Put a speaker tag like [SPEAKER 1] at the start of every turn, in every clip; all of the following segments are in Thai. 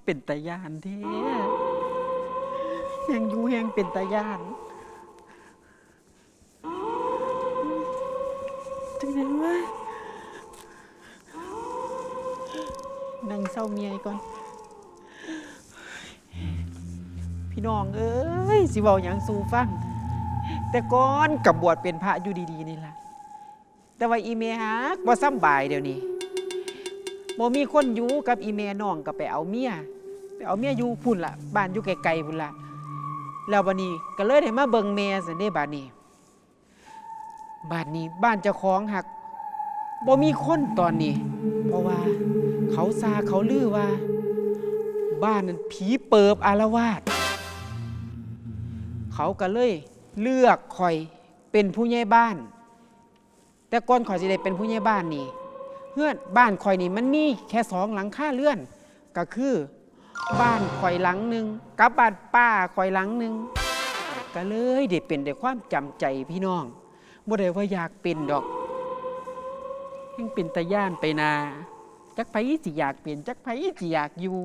[SPEAKER 1] เป็นตาย่านแท้แหงอยู่แหงเป็นตาย่านจังไดวะนั่งเศร้าเมียก่อนพี่น้องเอ้ยสิเว้าหยังสู่ฟังแต่ก่อนกับบวชเป็นพระอยู่ดีๆนี่ล่ะแต่ว่าอีเมฮักบ่สำบายเดี๋ยวนี้บ่มีคนอยู่กับอีเมน้องก็ไปเอาเมียอยู่พุ่นล่ะบ้านอยู่ไกลๆพุ่นล่ะแล้วบัดนี้ก็เลยได้มาเบิ่งแม่ซั่นเด้บัดนี้บ้านเจ้าของหักบ่มีคนตอนนี้เพราะว่าเขาลือว่าบ้านนั้นผีเปิบอาละวาดเขาก็เลยเลือกข่อยเป็นผู้ใหญ่บ้านแต่ก่อนข่อยสิได้เป็นผู้ใหญ่บ้านนี่เฮือนบ้านข่อยนี่มันมีแค่2 หลังคาเรือนก็คือบ้านข่อยหลังนึงกับบ้านป้าข่อยหลังนึงก็เลยได้เป็นด้วยความจำใจพี่น้องบ่ได้ว่าอยากเป็นดอกยังเป็นตาย่านไปนาจักไผสิอยากเป็นจักไผสิอยากอยู่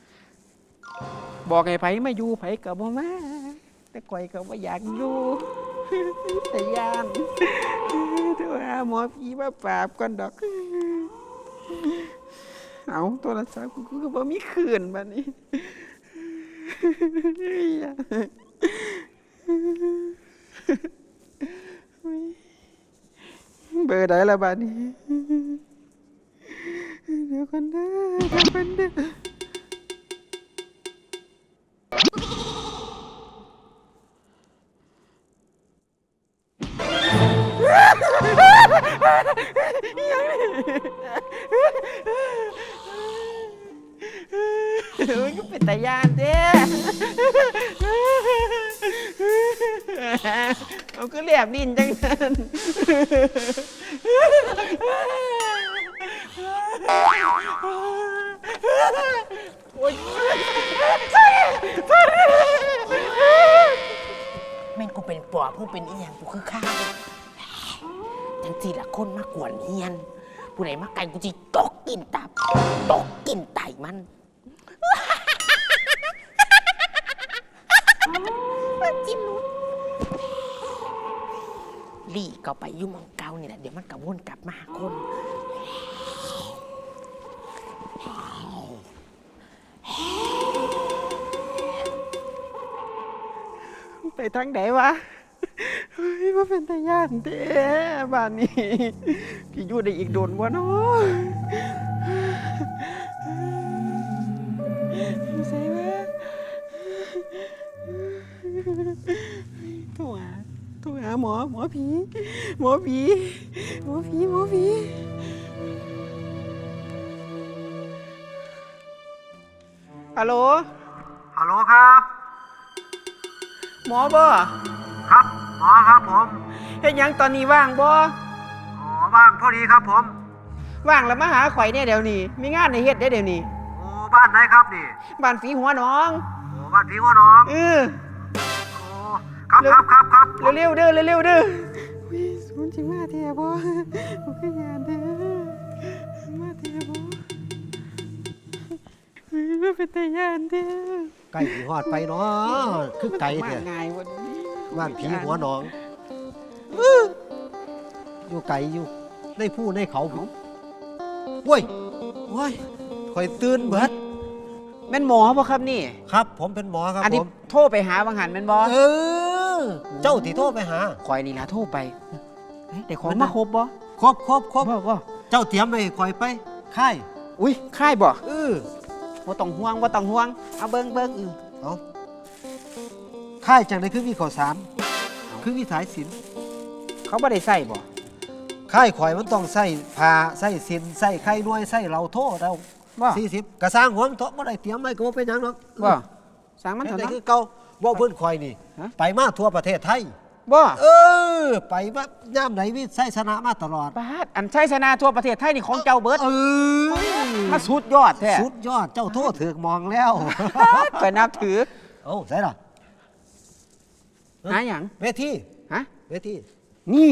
[SPEAKER 1] บอกให้ไผมาอยู่ไผก็บ่มาแต่ข่อยก็บ่อยากอยู่แต่ย่านโทรหาหมอผีมาปราบก่อนดอกเอาโทรศัพท์กูก็บ่มีคืนบัดนี้เบอร์ใดล่ะบัดนี้เดี๋ยวกันเด้อมันก็เป็นตาย่านเด้เอาก็เรียบดินจังนั้นโอ๊ย
[SPEAKER 2] แม่งกูเป็นปอบมึงเป็นอีหยังกูคือข้าวจังสิละคนมากวนเฮียนผู้ใดมาไกลกูจิตกกินตับตกกินไตมันจิ้มนุ้นลี่ก็ไปยุ่งมองเกานี่แหละเดี๋ยวมันกระวนกลับมาหาคน
[SPEAKER 1] ไปทางไหนวะเฮ้ยว่าเป็นตาย่านเด้บ้านนี้พี่อยู่ได้อีกโดนวะเนาะใช่ไหมโทรหาหมอผีฮัลโหล
[SPEAKER 3] ครับ
[SPEAKER 1] หมอบ่
[SPEAKER 3] ครับหมอครับผม
[SPEAKER 1] เฮ็ดหยังตอนนี้ว่างบ่
[SPEAKER 3] อ๋อว่างพอดีครับผม
[SPEAKER 1] ว่างแล้วมาหาข่อยเนี่ยเดี๋ยวนี้มีงานให้เฮ็ดได้เดี๋ยวนี้
[SPEAKER 3] โอ้บ้านไหนครับนี่
[SPEAKER 1] บ้านฝีหัวหนอง
[SPEAKER 3] โอ้บ้านพี่หัวน้อง
[SPEAKER 1] เออ
[SPEAKER 3] โอ้ครับผม
[SPEAKER 1] เร็วๆเด้อวิสูนจิมาเทียบ่บ่คือยานเด้อมาเทียบ่บ่เป็นตาย่านเด้อ
[SPEAKER 4] ไก่สีหอดไปเนาะคือไก่
[SPEAKER 1] มา
[SPEAKER 4] เนี่ย
[SPEAKER 1] ง่ายวันนี้
[SPEAKER 4] บ้านผีหัวหนองอยู่ไก่อยู่ในผู้ในเขาผมโว้ยคอยตื่นเบิด
[SPEAKER 1] แม่นหมอบ่ครับนี่
[SPEAKER 4] ครับ ผมเป็นหมอครับ
[SPEAKER 1] อัน
[SPEAKER 4] ผ
[SPEAKER 1] นี้
[SPEAKER 4] ม
[SPEAKER 1] โทรไปหาบางหันแม่นบ่
[SPEAKER 4] เจ้าที่โทรไปหา
[SPEAKER 1] ข่อยนี่ล่ะโทรไปเฮ้ยได้ของ
[SPEAKER 4] มัน
[SPEAKER 1] มา
[SPEAKER 4] น่ะ
[SPEAKER 1] ครบบ่
[SPEAKER 4] ครบ
[SPEAKER 1] บ่
[SPEAKER 4] เจ้าเตรียมไปคอยไปค่าย
[SPEAKER 1] อุ้ยค่ายบ่
[SPEAKER 4] บ่
[SPEAKER 1] ต้องห่วงเอาเบิ่ง
[SPEAKER 4] เอาค่ายจังไดคือมีข้าวสารคือมีสายสิญจน์
[SPEAKER 1] เขาบ่ได้ใส่บ่
[SPEAKER 4] ค่ายข่อยมันต้องใส่ผ้าใส่สิญจน์ใส่ไข่น้อยใส่เหล้าโทเรา
[SPEAKER 1] บ่
[SPEAKER 4] 40กระสร้างหัวมันเถาะบ่ได้เตรียมไว้ก็บ่เป็นหยังหรอก
[SPEAKER 1] บ่สร้างมัน
[SPEAKER 4] เฮ็ด
[SPEAKER 1] เถอะ
[SPEAKER 4] ได้
[SPEAKER 1] เนาะ
[SPEAKER 4] คือเก่าบ่เพิ่นข่อยนี่
[SPEAKER 1] ฮะ
[SPEAKER 4] ไปมาทั่วประเทศไทย
[SPEAKER 1] บ่
[SPEAKER 4] ไปว่าย่ามไหนวิไสชนะมาตลอด
[SPEAKER 1] บาดอันชัยชนะทั่วประเทศไทยนี่ของเจ้าเบิดมาสุดยอดแท้
[SPEAKER 4] สุดยอดเจ้าโทษถือกมองแล้ว
[SPEAKER 1] ไปนับถือ
[SPEAKER 4] เอ้าใส่ล่ะ
[SPEAKER 1] หาหยัง
[SPEAKER 4] เวที
[SPEAKER 1] ฮะ
[SPEAKER 4] เวที
[SPEAKER 1] นี่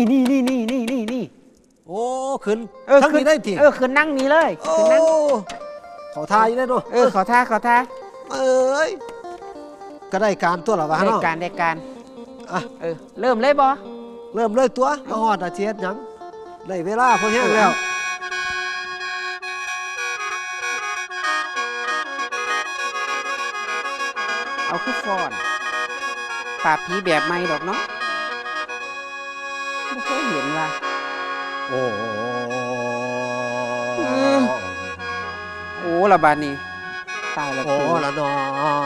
[SPEAKER 4] โอ้ขึ้น
[SPEAKER 1] เออ
[SPEAKER 4] ทั้ง
[SPEAKER 1] ขึ้
[SPEAKER 4] นี้ได้ที
[SPEAKER 1] ขึ้นนั่งนี่เลย
[SPEAKER 4] โอ้
[SPEAKER 1] ขึ้นนั่ง
[SPEAKER 4] ขเขาทายอยู่เลยเนาะ
[SPEAKER 1] ขอท่าขอท่า
[SPEAKER 4] เอ้ยก็ได้การตัวละวะ
[SPEAKER 1] ได้
[SPEAKER 4] เนาะ
[SPEAKER 1] การได้การ
[SPEAKER 4] อ่ะ
[SPEAKER 1] เริ่มเลยบ่
[SPEAKER 4] เริ่มเลยตัวเอาฮอดอาเทียดหยังได้เวลาพอแห้งแล้ว
[SPEAKER 1] เอาคือฟอนปราบผีแบบใหม่ดอกเนาะไม่เคยเห็นว่า
[SPEAKER 4] โอ้
[SPEAKER 1] โอ้ละบาดนี้ตายแล้ว
[SPEAKER 4] โอ้
[SPEAKER 1] กู
[SPEAKER 4] ละเนาะ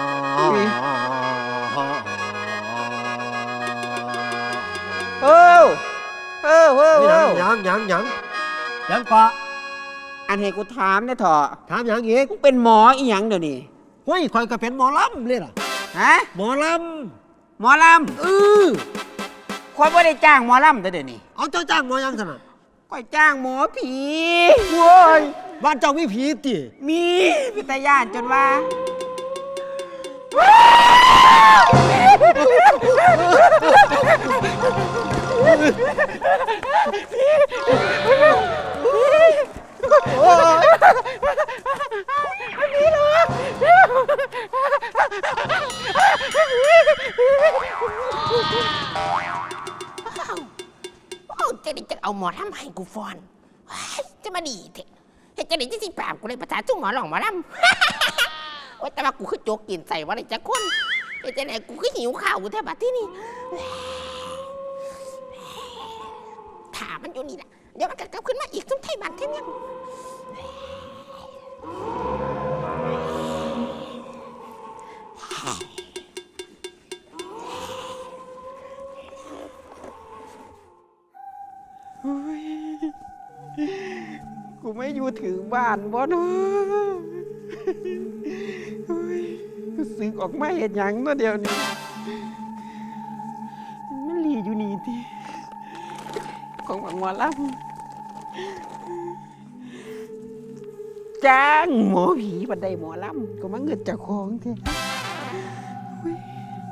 [SPEAKER 1] เออเออเออ
[SPEAKER 4] นี่
[SPEAKER 1] เอ
[SPEAKER 4] หยัง
[SPEAKER 1] อ
[SPEAKER 4] หยังหยังหยังกว่า
[SPEAKER 1] อันให้กูถามเนี่ยเถอะ
[SPEAKER 4] ถามหยังอีก
[SPEAKER 1] มึงเป็นหมออีหยังเดี๋ยวนี้
[SPEAKER 4] เฮ้ยคอยก็เป็นหมอลำเลยล่ะ
[SPEAKER 1] ฮะ
[SPEAKER 4] หมอล
[SPEAKER 1] หมอล
[SPEAKER 4] ำ
[SPEAKER 1] ำคอยไม่ได้จ้างหมอลำแต่เดี๋ยวนี้
[SPEAKER 4] เอาเจ้าจ้างหมอยังสนะ
[SPEAKER 1] คอยจ้างหมอผีโว้ย
[SPEAKER 4] บ้านเจ้ามีผีติ
[SPEAKER 1] มีพิตายานจนว่า
[SPEAKER 2] เอาจะได้จะเอาหมอทำให้กูฟอนว้ายจะมาดีเถอะเฮ็ดจะได้จะสิปราบกูเลยภาษาจุ้งหมอหลองหมอลำโอ๊ยแต่ว่ากูคือโจกกินใส่ว่าอะไรจะคนเฮ็ดจะได้กูคือหิวข้าวกูแทบบัดที่นี่ถามมันอยู่นี่แหละเดี๋ยวมันก็กลับขึ้นมาอีกซุ้มไทยบ้านเท่านี้
[SPEAKER 1] กูไม่อยู่ถึงบ้านบ่เนาะโอ้ยกูสึกออกมาเห็นหยังเนาะเดี๋ยวนี้มันหลีอยู่นี่ทีของหมอลำจ้างหมอผีบันไดหมอลำก็มาเงินจากของเถอะโอ้ย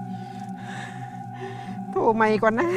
[SPEAKER 1] โทรใหม่ก่อนนะ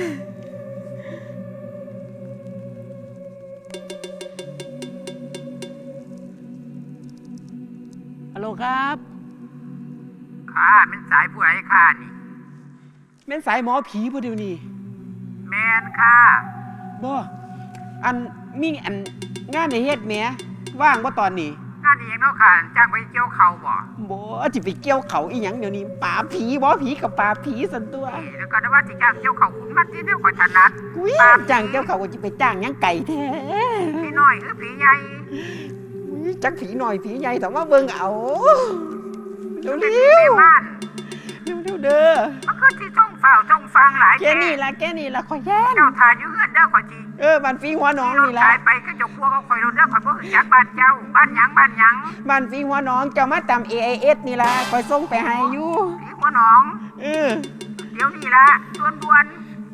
[SPEAKER 1] ฮัลโหลครับ
[SPEAKER 3] ค่ะเป็นสายผู้ใดค่ะนี่
[SPEAKER 1] แม่นสายหมอผีพอเดียวนี้
[SPEAKER 3] แมนค่ะ
[SPEAKER 1] บ่อันมีอันงานในเฮ็ดแหมว่างบ่ตอนนี้
[SPEAKER 3] งานนี้ยังเนาะค่ะจ้างไปเกี่ยวเขาบ่
[SPEAKER 1] บ่สิไปเกี่ยวเขาอีหยังเดี๋ยวนี้ป่าบผีบ่ผีกับป่าบผีสันตัว
[SPEAKER 3] นี่แล้วก็ได้ว่าสิจ้างเกี่ยวเขาคุณมาที่เดียวกับถนัด
[SPEAKER 1] กุ้ยจ้างเกี่ยวเขาก็สิไปจ้างหยังไก่แท้
[SPEAKER 3] พี่น้อยหรือผีใหญ่
[SPEAKER 1] อุ๊ยจักผีหน่อยผีใหญ่แต่ว่าเบิ่งเอาเร็ว
[SPEAKER 3] เป็น
[SPEAKER 1] ๆ
[SPEAKER 3] ผีในบ้าน
[SPEAKER 1] เร็วๆเด้อ
[SPEAKER 3] มันก็ที่ต้องเฝ้าต้องฟังหลาย
[SPEAKER 1] แค่นี้ล่ะขอยแย่น
[SPEAKER 3] เจ้าทายอยู่เฮือนเด้อขอยจี
[SPEAKER 1] บ้านฟิงหัวหนอง
[SPEAKER 3] รถ
[SPEAKER 1] นี่ล่ะ
[SPEAKER 3] ขายไปก็เจะพวกเขาคอยรถเด้อขอยบ่รู้จักบ้านเจ้าบ้านหยังบ้านหยัง
[SPEAKER 1] บ้านฟิงหัวหนองเจ้ามาตาม AIS นี่ล่ะคอยส่งไปให้อยู่
[SPEAKER 3] ผีหัวหนอง
[SPEAKER 1] เออ
[SPEAKER 3] เดี๋ยวนี้ละด่วน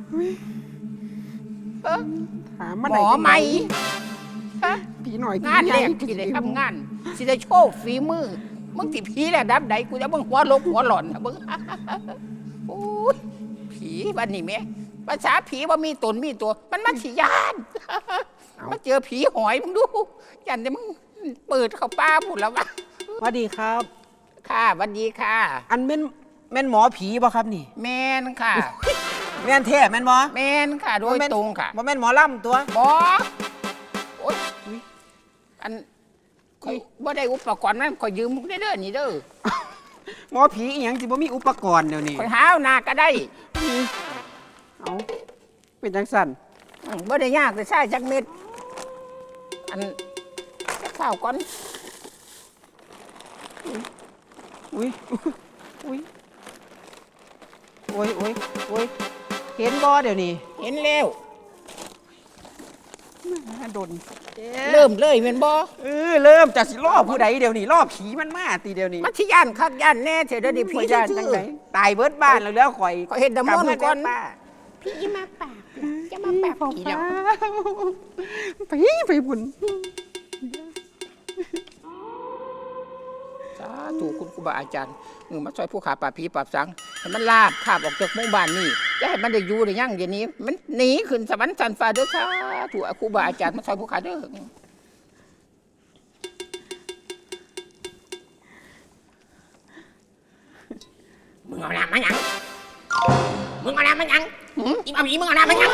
[SPEAKER 1] ถาม
[SPEAKER 2] ห
[SPEAKER 1] มา
[SPEAKER 2] ม
[SPEAKER 1] ได้
[SPEAKER 2] อ
[SPEAKER 1] จัง
[SPEAKER 2] ไหม
[SPEAKER 1] ฮะผีหน่อยผี
[SPEAKER 2] งาน
[SPEAKER 1] ให
[SPEAKER 2] แร
[SPEAKER 1] ญ่
[SPEAKER 2] กที่ได้ทำงานสิได้โชว์ฝีมือมึงสิผีแหละดับใดกูจะเบิ่งหัวลกหัวหล่อนนะเบิ่ง โอ้ยผีวันนี้แม่ภาษาผีว่ามีตนมีตัว มันมาฉียานมาเจอผีหอยมึงดูยันแต่มึงเปิดเข้าป้าพูดแล้ววะ
[SPEAKER 1] สวัสดีครับ
[SPEAKER 2] ค่ะสวันดีค่ะ
[SPEAKER 1] อันแม่นหมอผีบ่ครับนี่
[SPEAKER 2] แมนค่ะ
[SPEAKER 1] แม่นแท้แม่นบ่
[SPEAKER 2] แมนค่ะ โดยตรงค่ะ
[SPEAKER 1] บ่แม่นหมอลำตัว
[SPEAKER 2] บอโอ๊ยอันข่อยบ่ได้อุปกรณ์นั้นข่อยยืมมึงได้เด้อนี่เด้อ
[SPEAKER 1] หมอผีอีหยังสิบ่มีอุปกรณ์เดี๋ยวนี้
[SPEAKER 2] ข่อยหาเอาหน้าก็ได้
[SPEAKER 1] เอาเป็นจังซั่น
[SPEAKER 2] บ่ได้ยากแต่ใช่จักเม็ด อันจักข้าวก่อน
[SPEAKER 1] อุ้ยอุ้ยโอ้ยโอ้ยโอ้ยเห็นบ่เดี๋ยวนี้
[SPEAKER 2] เห็นแล้ว
[SPEAKER 1] มาดน
[SPEAKER 2] เริ่มเลยแม่นบ่
[SPEAKER 1] เริ่มจากสิล่อผู้ใดเดี๋ยวนี้ล่อผีมันมาตีเดี๋ยวนี้
[SPEAKER 2] มันสิย่านคักย่านแน่เถอะเดี๋ยวนี้
[SPEAKER 1] ผี
[SPEAKER 2] พี่
[SPEAKER 1] ย่าน
[SPEAKER 2] ซื่
[SPEAKER 1] จัง
[SPEAKER 2] อ
[SPEAKER 1] ไดตายเบิดบ้านแล้วข่อย
[SPEAKER 2] ข่อยเฮ็ดน้ำมนต์ก่อน
[SPEAKER 1] ป้า
[SPEAKER 2] ๆพี่มาปากจะมาปากผีแล้ว
[SPEAKER 1] ไปบุญ
[SPEAKER 2] สาธุคุณครูบาอาจารย์มาช่วยผู้ขาปราบผีปราบสังให้มันลาบคาบออกจากหมู่บ้านนี่จะให้มันได้อยู่ได้ยั่งเดี๋ยวนี้ มันหนีขึ้นสวรรค์สันฟ้าเด้อสาธุครูบาอาจารย์มาช่วยผู้ขาเด้องเอาน้ำมาหยังมึงเอาน้ำมาหยังอีเอาผีมึงเอาน้ำมาหยัง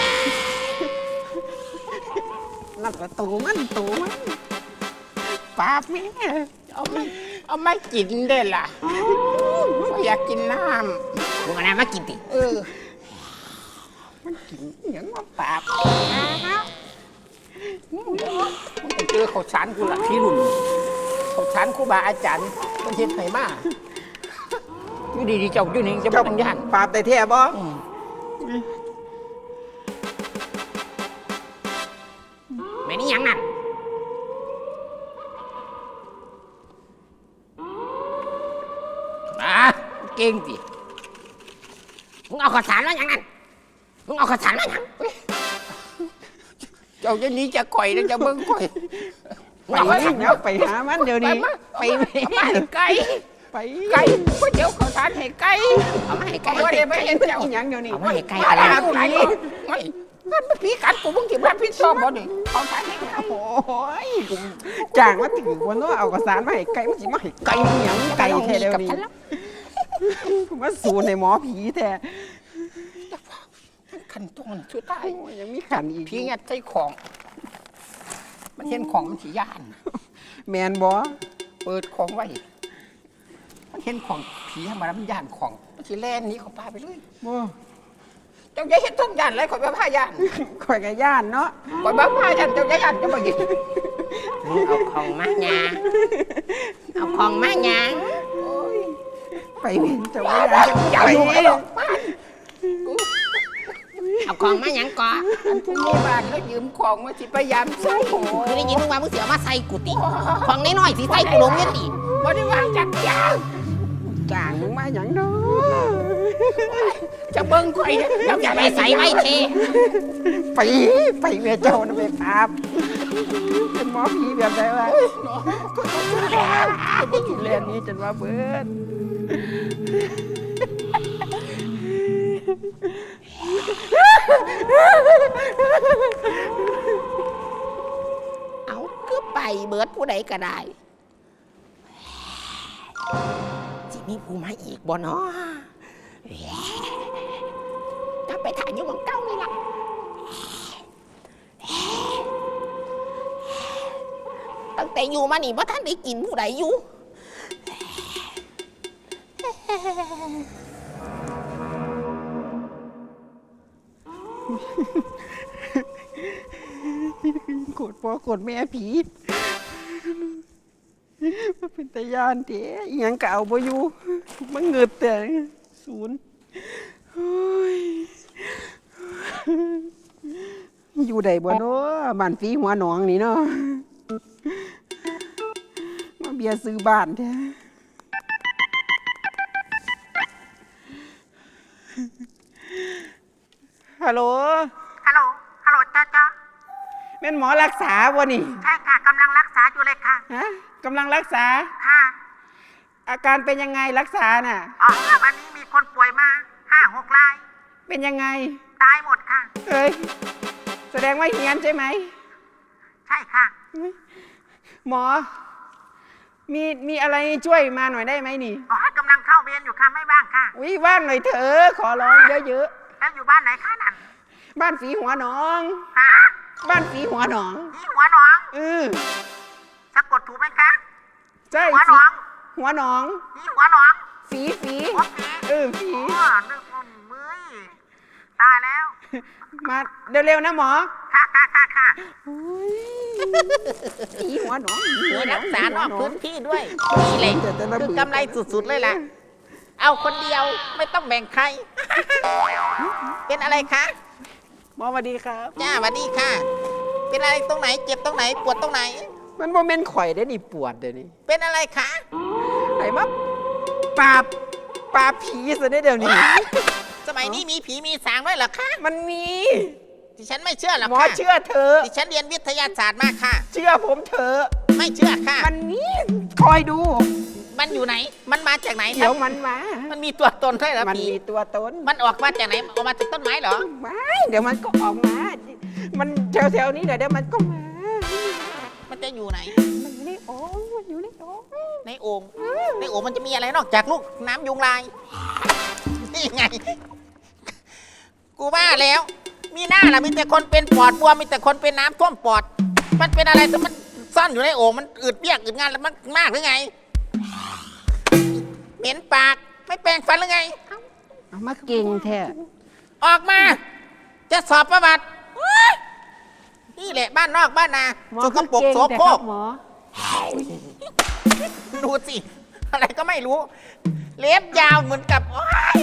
[SPEAKER 1] นั่นละตูมันปราบแม่
[SPEAKER 2] เอาไม่กินได้ล่ะบ่อยากกินน้ำมึงเอาน้ำมากินติมันกินอย่างว่าปราบมึงเจอข้าวสารกูละพี่รุ่นข้าวสารครูบาอาจารย์มันเฮ็ดให้มาอยู่ดีๆเจ้าอยู่นี่จะบ่ต้องย่าน
[SPEAKER 1] ปราบได้แท้บ่
[SPEAKER 2] แม่นี่ยังนั่นเก่งสิมึงเอาข้าวสารมาอย่างนั้นมึงเอาข้าวสารมาอย่างเจ้าจะหนี้จะข่อยแล้วจะเบิ่งข่อย
[SPEAKER 1] ไปแล้วไปหามันเดี๋ยวนี้ไปแม่
[SPEAKER 2] เอามาให้ไก่
[SPEAKER 1] ไป
[SPEAKER 2] ไก่ก๋วยเตี๋ยวข้าวสารให้ไก่เอามาให้ไก่ว่าได้ไปเห็นเจ้า
[SPEAKER 1] อีหยังเดี๋ยวนี้
[SPEAKER 2] เอามาให้ไก่อะไรไม่มันผีกัดกูมึงที่บ้านพี่ชอบบ่ดิข้าวสารให้ไก่
[SPEAKER 1] โอ้ยจ้างมาถึงวันนู้นเอากระสานมาให้ไก่มันสิมาให้ไก่อีหยังไก่แท้เดี๋ยวนี้มาสูนในหมอผีแท้
[SPEAKER 2] ขันตรงช่วยตาย
[SPEAKER 1] โอ้ยยังมีขันอีก
[SPEAKER 2] ผีงัดใส่ของมันเห็นของมันสีย่าน
[SPEAKER 1] แมนบ่
[SPEAKER 2] เปิดของไว้มันเห็นของผีธรรมดามันย่านของมันสีแล่นหนี้เขาพาไปเลย
[SPEAKER 1] บ่
[SPEAKER 2] เจ้าอย่าเห็นต้นย่านเลยข่อยบ้าผ้าย่าน
[SPEAKER 1] ข่อยกะย่านเนาะ
[SPEAKER 2] ข่อยบ้าผ้าย่านเจ้าอย่าย่านเจ้าบ่ยิน
[SPEAKER 5] เอาของมาหยาเอาของมาหยา
[SPEAKER 1] ไปเห็นเจ้าว่าย่าน
[SPEAKER 2] อย่าอยู่ไอ้ดอกบ้าน
[SPEAKER 5] เอาของมาหยังก่อน
[SPEAKER 2] อันผู้มีบ้านแล้วยืมของมาสิพยายามใส่
[SPEAKER 5] คือได้ยินมึงว่ามึงเสียมาใส่กูติของน้อยๆสิใส่กูลงเนี่ยติ
[SPEAKER 2] บ่ได้ว่าจักยาง
[SPEAKER 1] จ้างมึงมาหยังเนาะ
[SPEAKER 2] จะเบิ่งข่อยเนี่ยเจ้าอย่า
[SPEAKER 5] ไป
[SPEAKER 2] ไป
[SPEAKER 5] ใส่
[SPEAKER 2] ใส่
[SPEAKER 5] ไว้
[SPEAKER 2] ไว้
[SPEAKER 5] เท
[SPEAKER 1] ไปแม่เจ้านะไปปราบเป็นหมอผีแบบใดวะก็อยู่แลนนี้จนว่าเบิด
[SPEAKER 5] เอาคือไปเบิดผู้ใดก็ได้สิมีผู้มาอีกบ่เนาะถ้าไปถ่ายอยู่ของเก้านี่ล่ะตั้งแต่อยู่มานี่ว่าท่านได้กินผู้ใดอยู่
[SPEAKER 1] โกรธพ่อโกรธแม่ผีมันเป็นตาย่านเด้อิหยังก็เอาบ่อยู่มันเงิดแต่ศูนย์โอ้ยอยู่ใดบ่เนาะบ้านฝีหัวหนองนี่เนาะมาเบียร์ซื้อบ้านแท้ฮัลโหล
[SPEAKER 3] ฮัลโหล ฮัลโหลจ้า
[SPEAKER 1] แม่นหมอรักษาบ่นี่
[SPEAKER 3] ใช่ค่ะกำลังรักษาอยู่เลยค่ะ
[SPEAKER 1] ฮะกำลังรักษา
[SPEAKER 3] ค่ะ
[SPEAKER 1] อาการเป็นยังไงรักษาน่ะ
[SPEAKER 3] อ๋อวันนี้มีคนป่วยมา5-6 ราย
[SPEAKER 1] เป็นยังไง
[SPEAKER 3] ตายหมดค่ะ
[SPEAKER 1] เอ้ย แสดงว่าเฮียนใช่ไหม
[SPEAKER 3] ใช่ค่ะ
[SPEAKER 1] หมอ มีอะไรช่วยมาหน่อยได้ไหมนี่
[SPEAKER 3] อ๋อกำลังเข้าเวรอยู่ค่ะ ไม่ว่างค่ะ
[SPEAKER 1] วิว่างหน่อยเถอะขอร้องเยอะ
[SPEAKER 3] แล้วอยู่บ้านไหนคะนั่น
[SPEAKER 1] ๆ บ้านฝีหัวหนอง
[SPEAKER 3] ฮะ
[SPEAKER 1] บ้านฝีหัวหนอง
[SPEAKER 3] นี่หัวหนอง สะกดถูกไหมคะ
[SPEAKER 1] ใช่
[SPEAKER 3] หัวหนอง
[SPEAKER 1] หัวหนอง
[SPEAKER 3] นี่หัวหนอง
[SPEAKER 1] ฝี
[SPEAKER 3] หัวผี
[SPEAKER 1] ฝี
[SPEAKER 3] อ๋อนึกว่ามือตายแล้ว
[SPEAKER 1] มาเร็วๆนะหมอ
[SPEAKER 3] ค่ะ
[SPEAKER 1] ฝีหัวหนอง
[SPEAKER 5] หัวรักษานอกพื้นที่ด้วยนี่แหละคือกำไรสุดๆเลยล่ะ เอาคนเดียวไม่ต้องแบ่งใคร เป็นอะไรคะ
[SPEAKER 1] หมอสวัสดีครับ
[SPEAKER 5] จ้าสวัสดีค่ะ เป็นอะไรตรงไหนเจ็บตรงไหนปวดตรงไหน
[SPEAKER 1] มันบ่แม่นข่อยได้นี่ปวดเดี๋ยวนี้
[SPEAKER 5] เป็นอะไรคะ
[SPEAKER 1] ไอ้มาปราบผีซะได้เดี๋ยวนี้
[SPEAKER 5] สมัยนี้มีผีมีสางด้วยเหรอคะ
[SPEAKER 1] มันมี
[SPEAKER 5] ดิฉันไม่เชื่อหรอก
[SPEAKER 1] หมอ
[SPEAKER 5] ค่ะ
[SPEAKER 1] เชื่อเธอ
[SPEAKER 5] ดิฉันเรียนวิทยาศาสตร์มากค่ะ
[SPEAKER 1] เชื่อผมเถอะ
[SPEAKER 5] ไม่เชื่อค่ะ
[SPEAKER 1] มันมีคอยดู
[SPEAKER 5] มันอยู่ไหน มันมาจากไหน
[SPEAKER 1] เดี๋ยวมันมา
[SPEAKER 5] มันมีตัวตนด้วยเหรอ
[SPEAKER 1] มัน
[SPEAKER 5] ผี
[SPEAKER 1] มีตัวตน
[SPEAKER 5] มันออกมาจากไหนออกมาจากต้นไม้เหรอ
[SPEAKER 1] ไม่เดี๋ยวมันก็ออกมา มันแถวๆนี้เดี๋ยวมันก็มา
[SPEAKER 5] มันจะอยู่ไหน
[SPEAKER 1] มันอยู่ในโอ่งมันอยู่ในโอ่ง
[SPEAKER 5] ในโอ่งในโอ่งมันจะมีอะไรนอกจากลูกน้ำยุงลายนี่ไง กูว่าแล้ว มีหน้าล่ะมีแต่คนเป็นปอดบวมมีแต่คนเป็นน้ำท่วมปอด มันเป็นอะไรแต่มันซ่อนอยู่ในโอ่งมันอืดเปียกอืดงานแล้วมันมากหรือไง เหม็นปากไม่แปรงฟันหรือไง
[SPEAKER 2] เอามาเก่งแท้
[SPEAKER 5] ออกมา จะสอบประวัตินี่แหละบ้านนอกบ้านนา
[SPEAKER 2] หมอ
[SPEAKER 5] สกปรก
[SPEAKER 2] คือ
[SPEAKER 5] โส
[SPEAKER 2] เก่งแต่
[SPEAKER 5] โคร
[SPEAKER 2] ครั
[SPEAKER 5] ก
[SPEAKER 2] บหมอ
[SPEAKER 5] ดูสิ อะไรก็ไม่รู้ เล็บยาวเหมือนกับโอ๊ย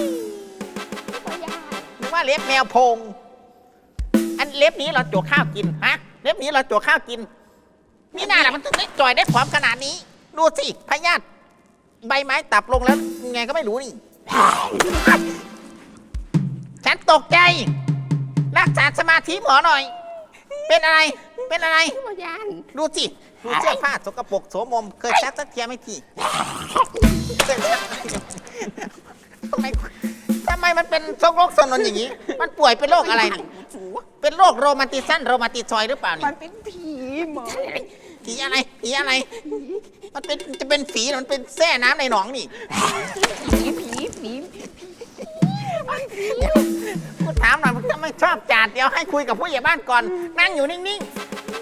[SPEAKER 5] นึกว่าเล็บแมวโพง อันเล็บนี้เราโจกข้าวกินฮะเล็บนี้เราโจกข้าวกินนี่น่าแหละมันถึงได้จ่อยได้ผอมขนาดนี้ ดูสิพยาธิใบไม้ตับลงแล้วไงก็ไม่รู้นี่ ฉันตกใจ รักษาสมาธิหมอหน่อย เป็นอะไร เป็นอะไร
[SPEAKER 2] บ่ยาน
[SPEAKER 5] ดูสิ ดูเสื้อผ้าสกปรกโสมม เคยซักสักเทียไหม่ทีเคยซักทำไมมันเป็นโรคสนนอย่างนี้ มันป่วยเป็นโรคอะไรนี่เป็นโรคโรมาติซันโรมาติซอยด์หรือเปล่านี่
[SPEAKER 2] มันเป็นผีหมอ
[SPEAKER 5] ผีอะไรผีอะไร มันเป็นจะเป็นฝีหรือมันเป็นแส้น้ำในหนองนี่
[SPEAKER 2] ผี
[SPEAKER 5] กูถามหน่อยมึงทำไมชอบจาดเดี๋ยวให้คุยกับผู้ใหญ่บ้านก่อน นั่งอยู่นิ่ง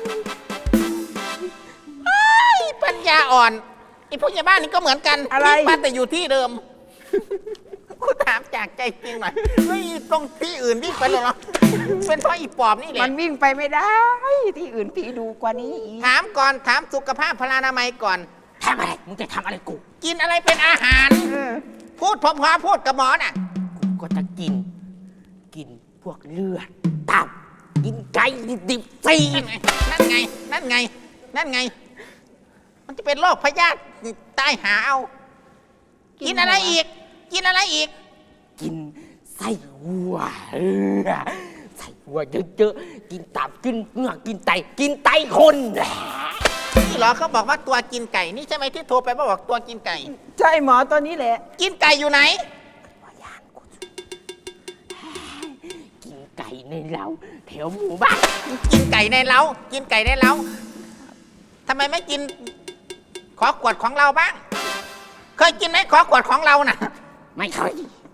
[SPEAKER 5] ๆเฮ้ยปัญญาอ่อนไอ้ผู้ใหญ่บ้านนี่ก็เหมือนกันบ้านแต่อยู่ที่เดิมกูถามจากใจจริงหน่อยไม่ตรงที่อื่นวิ่งไปเลยเหรอเป็นเพราะอีปอบนี่แห
[SPEAKER 2] มั
[SPEAKER 5] ละ
[SPEAKER 2] นวิ่งไปไม่ได้ ที่อื่นผีดูกว่านี้อีก
[SPEAKER 5] ถามก่อนถามสุขภาพพลานามัยก่อน
[SPEAKER 2] ทำอะไรมึงจะทำอะไรกู
[SPEAKER 5] กินอะไรเป็นอาหาร พูดพอๆพูดกับหมอน่ะ
[SPEAKER 2] ก็จะกินพวกเลือดตับกินไก่ดิบๆซี
[SPEAKER 5] นั่นไง นั่นไง นั่นไง มันจะเป็นโรคพยาธิตายหาเอา กินอะไรอีก กินอะไรอีก
[SPEAKER 6] กินไส้วัวไส้วัวเยอะๆ กินตับกินเนื้อกินไตคน
[SPEAKER 5] นี่เหรอเขาบอกว่าตัวกินไก่ นี่ใช่ไหมที่โทรไปบอกตัวกินไก่
[SPEAKER 2] ใช่หมอตัวนี้แหละ
[SPEAKER 5] กินไก่อยู่ไหน
[SPEAKER 6] กินไก่ในเล้าแถวหมู่บ้าน
[SPEAKER 5] กินไก่ในเล้า กินไก่ในเล้าทำไมไม่กินขอขวดของเราบ้าง เคยกินไหมขอขวดของเราน่ะ
[SPEAKER 6] ไม่เคย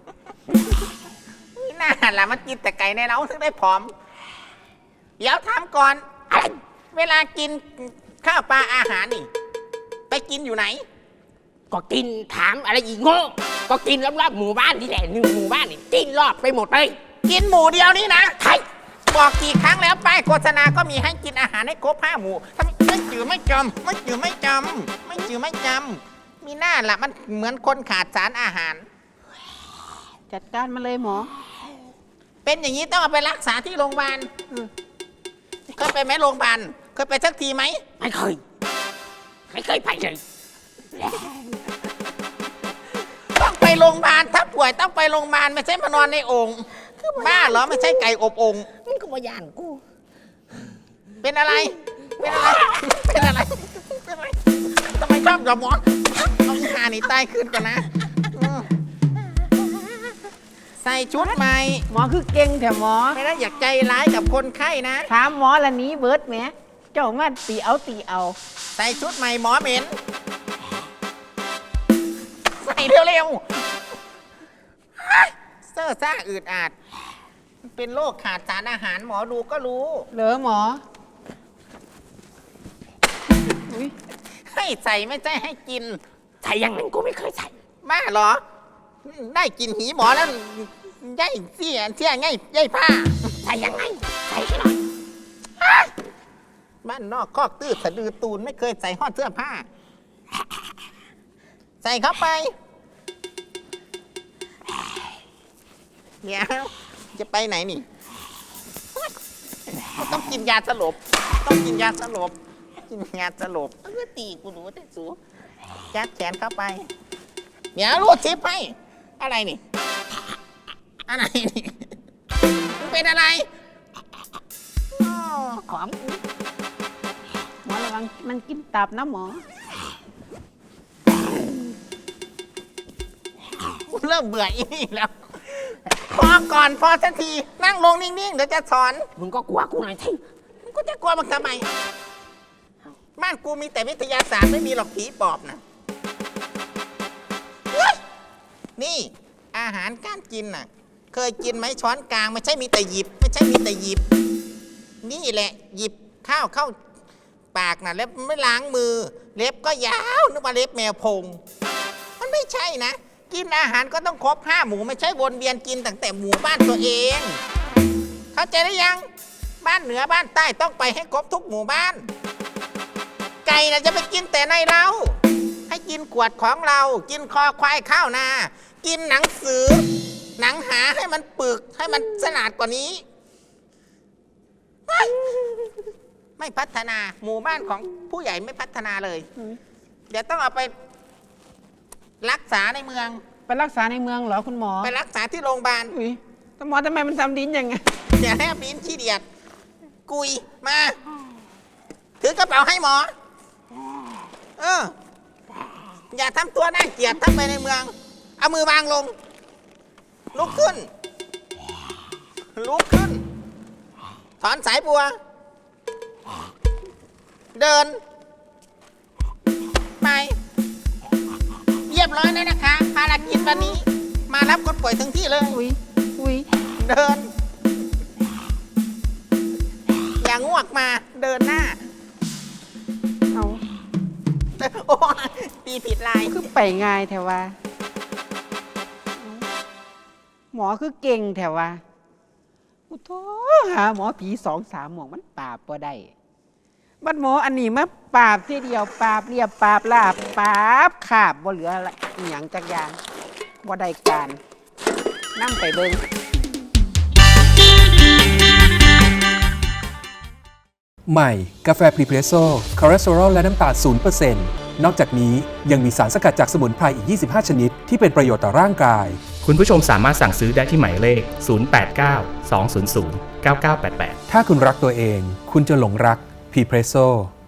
[SPEAKER 5] นี่น่าล่ะมันกินแต่ไก่ในเล้าถึงได้ผอม เดี๋ยวถามก่อน เวลากินข้าวปลาอาหารนี่ ไปกินอยู่ไหน
[SPEAKER 6] ก็กินถามอะไรอีกโง่ก็กินรอบๆหมู่บ้านนี่แหละ1 หมู่บ้านนี่กินรอบไปหมดเลย
[SPEAKER 5] กินหมูเดียวนี่นะ
[SPEAKER 6] ใช่
[SPEAKER 5] บอกกี่ครั้งแล้วป้ายโฆษณาก็มีให้กินอาหารให้ครบ5 หมู่ทำไมไม่จือไม่จำไม่จือไม่จำไม่จือไม่จำมีหน้าล่ะมันเหมือนคนขาดสารอาหาร
[SPEAKER 2] จัดการมาเลยหมอ
[SPEAKER 5] เป็นอย่างนี้ต้องเอาไปรักษาที่โรงพยาบาลเคยไปไหมโรงพยาบาลเคยไปสักทีไหม
[SPEAKER 6] ไม่เคยไปเลย
[SPEAKER 5] ต้องไปโรงพยาบาลถ้าป่วยต้องไปโรงพยาบาลไม่ใช่มานอนในโอ่งบ้าเหรอไม่ใช่ไก่อบโอ่ง
[SPEAKER 6] มึงก็มาย่านกู
[SPEAKER 5] เป็นอะไร เป็นอะไร เป็นอะไรเป็นอะไรทำไมชอบหยอกหมอเอาอีหานี่ตายขึ้นกันนะใส่ชุดใหม่
[SPEAKER 2] หมอคือเก่งแต่หมอ
[SPEAKER 5] ไม่ได้อยากใจร้ายกับคนไข้นะ
[SPEAKER 2] ถามหมอละนี้เบิร์ดแหมเจ้ามาตีเอา
[SPEAKER 5] ใส่ชุดใหม่หมอเหม็น ใส่เร็วๆเสื้อซ่าอืดอาดเป็นโรคขาดสารอาหารหมอดูก็รู้
[SPEAKER 2] เหรอหมอ
[SPEAKER 5] ให้ใส่ไม่ใช่ให้กิน
[SPEAKER 6] ใส่ยังไงกูไม่เคยใส่
[SPEAKER 5] บ้าเหรอ ได้กินหีหมอแล้วย่ายเสียง่ายย่ายผ้า
[SPEAKER 6] ใส่ยังไงใส่ให้หน่อย
[SPEAKER 5] บ้านนอกคอกตื้อสะดือตูนไม่เคยใส่ห่อเสื้อผ้า ใส่เข้าไป เดี๋ยวจะไปไหนนี่ ต้องกินยาสลบ ต้องกินยาสลบ กินยาสลบ
[SPEAKER 6] เออตีกูรู้แต่สู
[SPEAKER 5] ยัดแขนเข้าไป เดี๋ยวรูดซิปให้ อะไรนี่ อะไรนี่มันเป็นอะไรอ้อ
[SPEAKER 6] ของกู
[SPEAKER 2] หมอระวังมันกินตับนะหมอ
[SPEAKER 5] กูเริ่มเบื่ออีนี่แล้ว พอก่อนพอสักที นั่งลงนิ่งๆ เดี๋ยวจะสอน
[SPEAKER 6] มึงก็กลัวกูหน่อยสิ
[SPEAKER 5] กูจะกลัวมันทำไม บ้านกูมีแต่วิทยาศาสตร์ไม่มีหรอกผีปอบนะเฮ้ยนี่อาหารการกินน่ะ เคยกินไหมช้อนกลางไม่ใช่มีแต่หยิบ ไม่ใช่มีแต่หยิบ นี่แหละ หยิบข้าวเข้าปากน่ะแล้วไม่ล้างมือ เล็บก็ยาวนึกว่าเล็บแมวพง มันไม่ใช่นะ กินอาหารก็ต้องครบ5 หมู่ไม่ใช่วนเวียนกินตั้งแต่หมู่บ้านตัวเอง เข้าใจหรือยัง บ้านเหนือบ้านใต้ต้องไปให้ครบทุกหมู่บ้าน ไก่น่ะจะไปกินแต่ในเรา ให้กินขวดของเรา กินคอควายข้าวนา กินหนังสือ หนังหาให้มันปึกให้มันสนาดกว่านี้ไม่พัฒนาหมู่บ้านของผู้ใหญ่ไม่พัฒนาเลย เดี๋ยวต้องเอาไปรักษาในเมือง
[SPEAKER 1] ไปรักษาในเมืองเหรอคุณหมอ
[SPEAKER 5] ไปรักษาที่โรงพยาบาล
[SPEAKER 1] อุ้ยแต่หมอทำไมมันทำดิ้นอย่างไง
[SPEAKER 5] อย่าให้บินขี้เดียด กุยมา ถือกระเป๋าให้หมอ อย่าทำตัวน่าเกลียดทั้งไปในเมือง เอามือวางลง ลุกขึ้น ลุกขึ้น ถอนสายบัว เดิน ไป เรียบร้อยแล้วนะคะ ภารกิจวันนี้ มารับคนป่วยถึงที่เลย
[SPEAKER 1] อุ้ย
[SPEAKER 5] เดิน อย่างงวกมาเดินหน้า
[SPEAKER 1] เอา
[SPEAKER 5] โอ้ตีผิดลาย
[SPEAKER 1] คือไปง่ายแถวว่าหมอคือเก่งแถวว่าอุโธหาหมอผี2-3 หมวกมันปราบบ่ได้บัดหมออันนี้มาปราบทีเดียวปราบเรียบปราบลาบปราบขาบบ่เหลืออะไรอหย่างจักอย่างบ่ได้การนำไปเบิ่ง
[SPEAKER 7] ใหม่กาแฟพรีเพรสโซ่คอเลสเตอรอลและน้ำตาล 0% นอกจากนี้ยังมีสารสกัดจากสมุนไพรอีก 25 ชนิด ที่เป็นประโยชน์ต่อร่างกาย
[SPEAKER 8] คุณผู้ชมสามารถสั่งซื้อได้ที่หมายเลข 089 200 9988
[SPEAKER 7] ถ้าคุณรักตัวเอง คุณจะหลงรักพรีเพรสโซ่